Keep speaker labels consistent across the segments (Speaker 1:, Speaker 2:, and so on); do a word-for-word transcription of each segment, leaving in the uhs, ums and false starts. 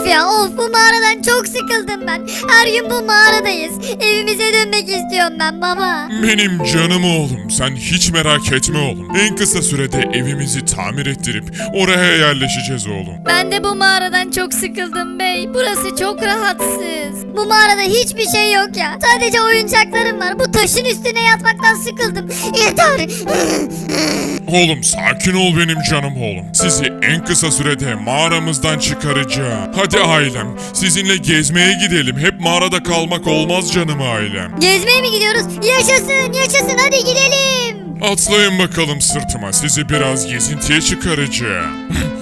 Speaker 1: ya of, bu mağaradan çok sıkıldım ben. Her gün bu mağaradayız. Evimize dönmek istiyorum ben baba.
Speaker 2: Benim canım oğlum, sen hiç merak etme oğlum. En kısa sürede evimizi tamir ettirip oraya yerleşeceğiz oğlum.
Speaker 1: Ben de bu mağaradan çok sıkıldım bey. Burası çok rahatsız. Bu mağarada hiçbir şey yok ya. Sadece oyuncaklarım var. Bu taşın üstüne yatmaktan sıkıldım. Yeter.
Speaker 2: Oğlum sakin ol benim canım oğlum. Sizi en kısa sürede mağaramızdan çıkaracağım. Hadi ailem, sizinle gezmeye gidelim. Hep mağarada kalmak olmaz canım ailem.
Speaker 1: Gezmeye mi gidiyoruz? Yaşasın yaşasın, hadi gidelim.
Speaker 2: Atlayın bakalım sırtıma, sizi biraz gezintiye çıkaracağım.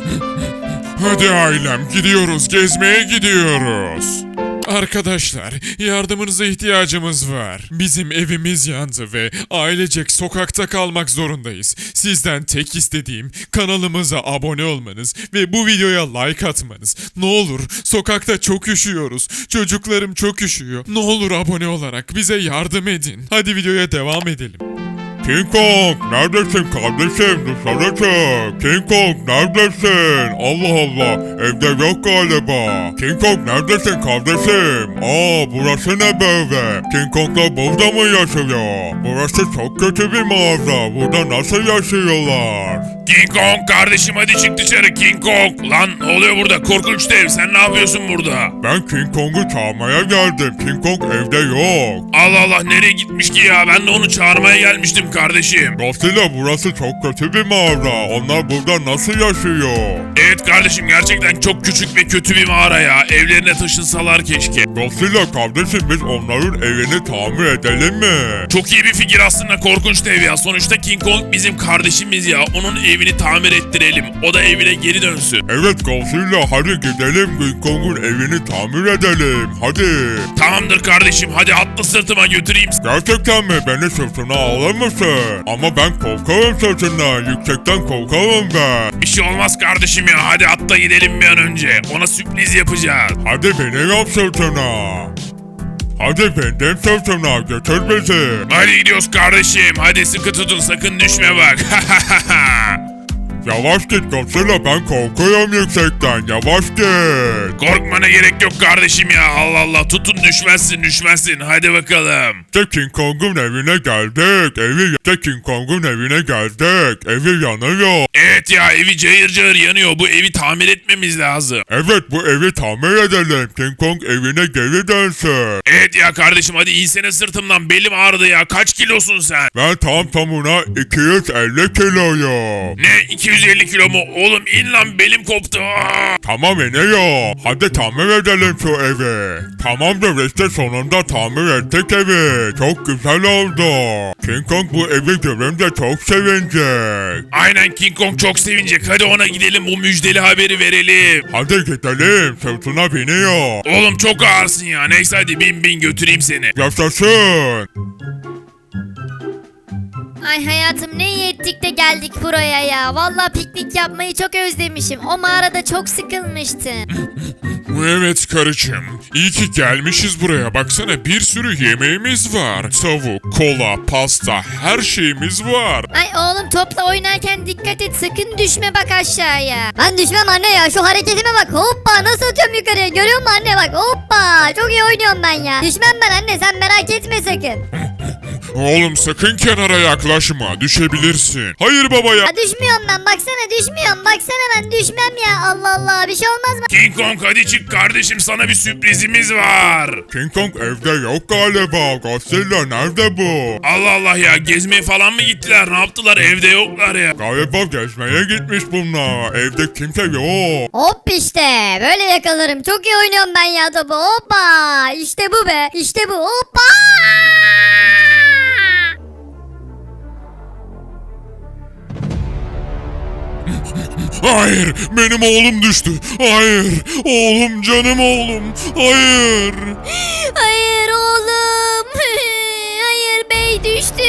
Speaker 2: Hadi ailem, gidiyoruz, gezmeye gidiyoruz. Arkadaşlar, yardımınıza ihtiyacımız var. Bizim evimiz yandı ve ailecek sokakta kalmak zorundayız. Sizden tek istediğim kanalımıza abone olmanız ve bu videoya like atmanız. Ne olur, sokakta çok üşüyoruz. Çocuklarım çok üşüyor. Ne olur abone olarak bize yardım edin. Hadi videoya devam edelim. King Kong, neredesin kardeşim? Dışarı çık. King Kong, neredesin? Allah Allah, evde yok galiba. King Kong, neredesin kardeşim? Aa, burası ne böyle? King Kong'la burada mı yaşıyor? Burası çok kötü bir mağaza. Burada nasıl yaşıyorlar?
Speaker 3: King Kong kardeşim, hadi çık dışarı King Kong. Lan ne oluyor burada? Korkunç dev, sen ne yapıyorsun burada?
Speaker 2: Ben King Kong'u çağırmaya geldim. King Kong evde yok.
Speaker 3: Allah Allah, nereye gitmiş ki ya? Ben de onu çağırmaya gelmiştim kardeşim.
Speaker 2: Godzilla, burası çok kötü bir mağaza. Onlar burada nasıl yaşıyor?
Speaker 3: Evet kardeşim, gerçekten çok küçük ve kötü bir mağara ya. Evlerine taşınsalar keşke.
Speaker 2: Godzilla kardeşim, biz onların evini tamir edelim mi?
Speaker 3: Çok iyi bir fikir aslında korkunç dev ya. Sonuçta King Kong bizim kardeşimiz ya. Onun evini tamir ettirelim. O da evine geri dönsün.
Speaker 2: Evet Godzilla, hadi gidelim King Kong'un evini tamir edelim. Hadi.
Speaker 3: Tamamdır kardeşim, hadi atla sırtıma götüreyim.
Speaker 2: Gerçekten mi? Beni sırtına alır mısın? Ama ben korkarım sırtından. Yüksekten korkarım ben.
Speaker 3: Bir şey olmaz kardeşim ya. Hadi atla gidelim bir an önce. Ona sürpriz yapacağız.
Speaker 2: Hadi beni yap sırtına. Hadi benden sırtına götür bizi.
Speaker 3: Hadi gidiyoruz kardeşim. Hadi sıkı tutun, sakın düşme bak.
Speaker 2: Yavaş git Godzilla, ben korkuyorum yüksekten. Yavaş git.
Speaker 3: Korkmana gerek yok kardeşim ya. Allah Allah, tutun düşmezsin düşmezsin. Hadi bakalım.
Speaker 2: İşte King Kong'un evine geldik. Evi işte King Kong'un evine geldik. Evi yanıyor.
Speaker 3: Evet ya, evi cayır cayır yanıyor. Bu evi tamir etmemiz lazım.
Speaker 2: Evet, bu evi tamir edelim. King Kong evine geri dönsün.
Speaker 3: Evet ya kardeşim, hadi insene sırtımdan. Belim ağrıdı ya. Kaç kilosun sen?
Speaker 2: Ben tam tamına iki yüz elli kiloyum.
Speaker 3: Ne, iki yüz elli kilo mu? Oğlum in lan, belim koptu. Aa!
Speaker 2: Tamam iniyor. Hadi tamir edelim şu evi. Tamamdır, işte sonunda tamir ettik evi. Çok güzel oldu. King Kong bu evi görünce çok sevinecek.
Speaker 3: Aynen, King Kong çok sevinecek. Hadi ona gidelim, bu müjdeli haberi verelim.
Speaker 2: Hadi gidelim, sırtına biniyor.
Speaker 3: Oğlum çok ağırsın ya. Neyse hadi bin bin götüreyim seni.
Speaker 2: Yaşasın.
Speaker 1: Ay hayatım, ne iyi ettik de geldik buraya ya. Vallahi piknik yapmayı çok özlemişim. O mağarada çok sıkılmıştım.
Speaker 2: Evet karıcığım, iyi ki gelmişiz buraya. Baksana, bir sürü yemeğimiz var. Tavuk, kola, pasta, her şeyimiz var.
Speaker 1: Ay oğlum, topla oynarken dikkat et, sakın düşme bak aşağıya. Ben düşmem anne ya, şu hareketime bak. Hoppa, nasıl atıyorum yukarıya, görüyor musun anne, bak hoppa. Çok iyi oynuyorum ben ya. Düşmem ben anne, sen merak etme sakın.
Speaker 2: Oğlum sakın kenara yaklaşma, düşebilirsin. Hayır baba ya.
Speaker 1: Ya düşmüyorum ben, baksana düşmüyorum. Baksana, ben düşmem ya. Allah Allah, bir şey olmaz mı?
Speaker 3: King Kong hadi çık kardeşim, sana bir sürprizimiz var.
Speaker 2: King Kong evde yok galiba. Godzilla nerede bu?
Speaker 3: Allah Allah ya, gezmeye falan mı gittiler, ne yaptılar, evde yoklar ya.
Speaker 2: Galiba gezmeye gitmiş bunlar. Evde kimse yok.
Speaker 1: Hop işte, böyle yakalarım. Çok iyi oynuyorum ben ya topu. Hoppa, işte bu be, işte bu. Hoppa.
Speaker 2: Hayır, benim oğlum düştü. Hayır, oğlum, canım oğlum. Hayır.
Speaker 1: Hayır oğlum. Hayır, bey düştü.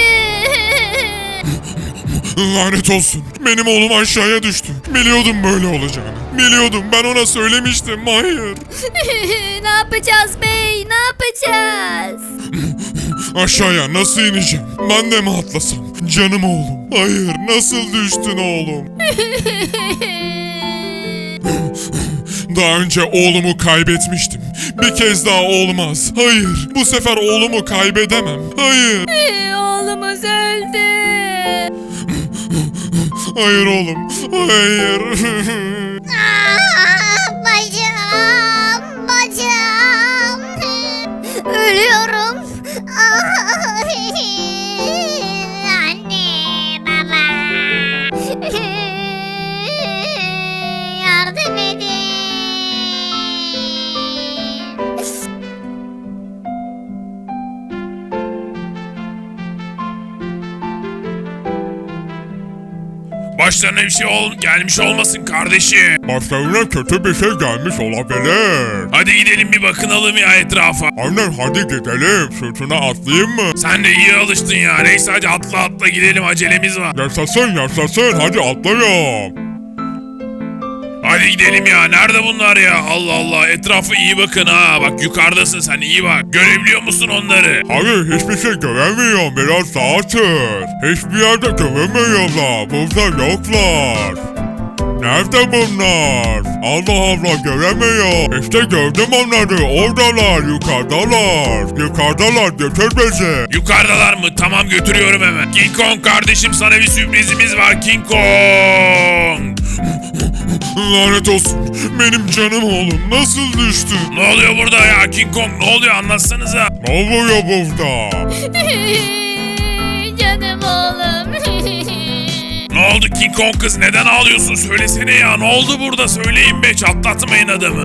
Speaker 2: Lanet olsun. Benim oğlum aşağıya düştü. Biliyordum böyle olacağını. Biliyordum, ben ona söylemiştim. Hayır.
Speaker 1: Ne yapacağız bey, ne yapacağız?
Speaker 2: Aşağıya nasıl ineceğim? Ben de mi atlasam? Canım oğlum. Hayır, nasıl düştün oğlum? Daha önce oğlumu kaybetmiştim. Bir kez daha olmaz. Hayır, bu sefer oğlumu kaybedemem. Hayır.
Speaker 1: Oğlumuz öldü.
Speaker 2: Hayır oğlum. Hayır.
Speaker 1: Aa, bacım, bacım. Ölüyorum. Ay, anne, baba. Yardım edin.
Speaker 3: Başlarına bir şey ol gelmiş olmasın kardeşim.
Speaker 2: Başlarına kötü bir şey gelmiş olabilir.
Speaker 3: Hadi gidelim bir bakınalım ya etrafa.
Speaker 2: Aynen, hadi gidelim. Sırtına atlayayım mı?
Speaker 3: Sen de iyi alıştın ya. Neyse hadi atla atla gidelim, acelemiz var.
Speaker 2: Yaşasın yaşasın, hadi atlayalım.
Speaker 3: Hadi gidelim ya. Nerede bunlar ya? Allah Allah. Etrafa iyi bakın ha. Bak yukarıdasın sen, iyi bak. Görebiliyor musun onları?
Speaker 2: Hayır, hiçbir şey göremiyorum, biraz daha sür. Hiçbir yerde göremiyorlar, burada yoklar. Nerede bunlar? Allah Allah, göremiyor. İşte gördüm onları, oradalar, yukarıdalar. Yukarıdalar, götür bizi.
Speaker 3: Yukarıdalar mı? Tamam, götürüyorum hemen. King Kong kardeşim, sana bir sürprizimiz var King Kong.
Speaker 2: Lanet olsun, benim canım oğlum nasıl düştü?
Speaker 3: Ne oluyor burada ya King Kong? Ne oluyor, anlatsanıza.
Speaker 2: Ne oluyor burada?
Speaker 1: Canım oğlum.
Speaker 3: Ne oldu King Kong kız? Neden ağlıyorsun? Söylesene ya. Ne oldu burada? Söyleyin be. Çatlatmayın adamı.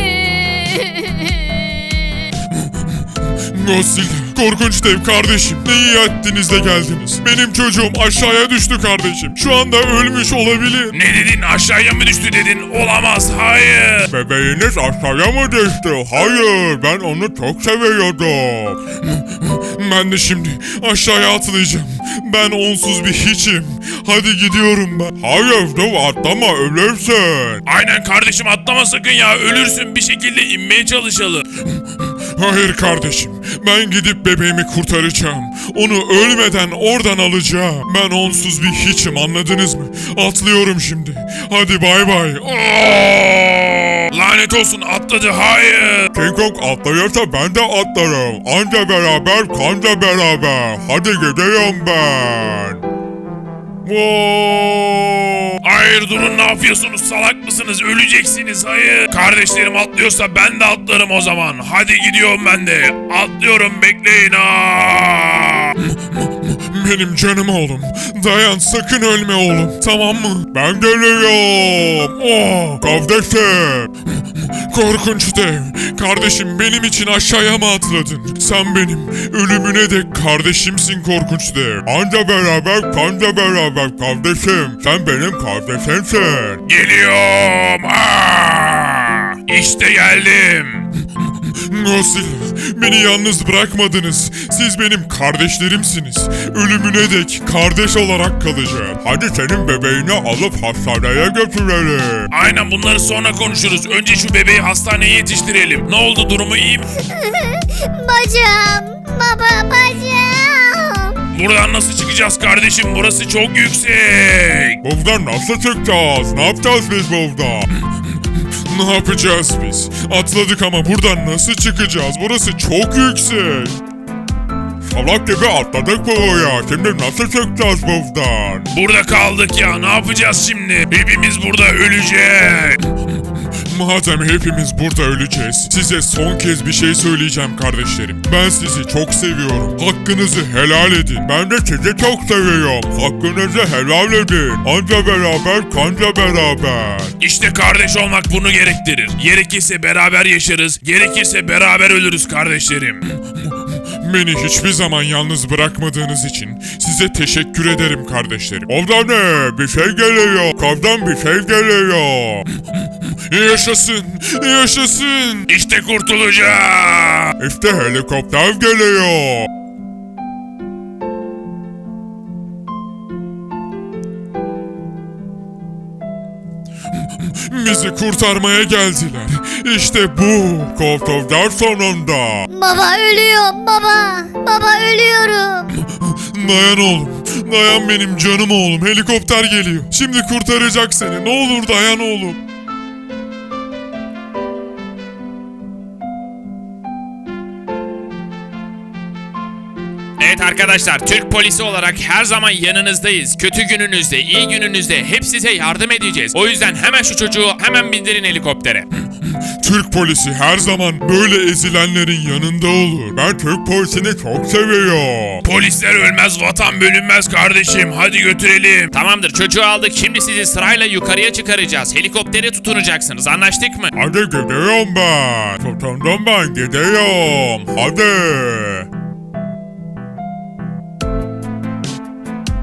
Speaker 2: Godzilla, korkunç dev kardeşim, ne iyi ettiniz de geldiniz. Benim çocuğum aşağıya düştü kardeşim. Şu anda ölmüş olabilir.
Speaker 3: Ne dedin? Aşağıya mı düştü dedin? Olamaz. Hayır.
Speaker 2: Bebeğiniz aşağıya mı düştü? Hayır, ben onu çok seviyordum. Ben de şimdi aşağıya atlayacağım. Ben onsuz bir hiçim. Hadi gidiyorum ben. Hayır, dur atlama, ölürsün.
Speaker 3: Aynen kardeşim, atlama sakın ya. Ölürsün, bir şekilde inmeye çalışalım.
Speaker 2: Hayır kardeşim, ben gidip bebeğimi kurtaracağım. Onu ölmeden oradan alacağım. Ben onsuz bir hiçim, anladınız mı? Atlıyorum şimdi. Hadi bay bay.
Speaker 3: Oo! Lanet olsun, atladı. Hayır.
Speaker 2: King Kong atlayırsa ben de atlarım. Anca beraber, kanca beraber. Hadi gidiyorum ben. Wow.
Speaker 3: Hayır, durun, ne yapıyorsunuz? Salak mısınız? Öleceksiniz. Hayır. Kardeşlerim atlıyorsa ben de atlarım o zaman. Hadi gidiyorum ben de. Atlıyorum, bekleyin. Aa!
Speaker 2: Benim canım oğlum. Dayan, sakın ölme oğlum. Tamam mı? Ben geliyorum. Oh, kardeşim. Korkunç dev. Kardeşim, benim için aşağıya mı atladın? Sen benim ölümüne dek kardeşimsin korkunç dev. Anca beraber, kanca beraber kardeşim. Sen benim kardeşimsin.
Speaker 3: Geliyorum. Aa! İşte geldim.
Speaker 2: Godzilla, beni yalnız bırakmadınız. Siz benim kardeşlerimsiniz. Ölümüne dek kardeş olarak kalacağım. Hadi senin bebeğini alıp hastaneye götürelim.
Speaker 3: Aynen, bunları sonra konuşuruz. Önce şu bebeği hastaneye yetiştirelim. Ne oldu, durumu iyi mi?
Speaker 1: Bacım, baba, bacım.
Speaker 3: Buradan nasıl çıkacağız kardeşim? Burası çok yüksek.
Speaker 2: Buradan nasıl çıkacağız? Ne yapacağız biz burada? Ne yapacağız biz? Atladık ama buradan nasıl çıkacağız? Burası çok yüksek. Salak gibi atladık buraya. Şimdi nasıl çıkacağız buradan?
Speaker 3: Burada kaldık ya. Ne yapacağız şimdi? Hepimiz burada ölecek.
Speaker 2: Madem hepimiz burada öleceğiz, size son kez bir şey söyleyeceğim kardeşlerim. Ben sizi çok seviyorum. Hakkınızı helal edin. Ben de sizi çok seviyorum. Hakkınızı helal edin. Anca beraber, kanca beraber.
Speaker 3: İşte kardeş olmak bunu gerektirir. Gerekirse beraber yaşarız. Gerekirse beraber ölürüz kardeşlerim.
Speaker 2: Beni hiçbir zaman yalnız bırakmadığınız için size teşekkür ederim kardeşlerim. Oradan ne? Bir şey geliyor. Kavdan bir şey geliyor. Yaşasın, yaşasın.
Speaker 3: İşte kurtulacağız.
Speaker 2: İşte helikopter geliyor. Bizi kurtarmaya geldiler. İşte bu. Kurtuldular sonunda.
Speaker 1: Baba ölüyorum baba. Baba ölüyorum.
Speaker 2: Dayan oğlum. Dayan benim canım oğlum. Helikopter geliyor. Şimdi kurtaracak seni. Ne olur dayan oğlum.
Speaker 3: Evet arkadaşlar, Türk polisi olarak her zaman yanınızdayız. Kötü gününüzde, iyi gününüzde hep size yardım edeceğiz. O yüzden hemen şu çocuğu hemen bindirin helikoptere.
Speaker 2: Türk polisi her zaman böyle ezilenlerin yanında olur. Ben Türk polisini çok seviyorum.
Speaker 3: Polisler ölmez, vatan bölünmez kardeşim. Hadi götürelim. Tamamdır, çocuğu aldık. Şimdi sizi sırayla yukarıya çıkaracağız. Helikoptere tutunacaksınız. Anlaştık mı?
Speaker 2: Hadi gidiyorum ben. Tutundum ben gidiyorum. Hadi.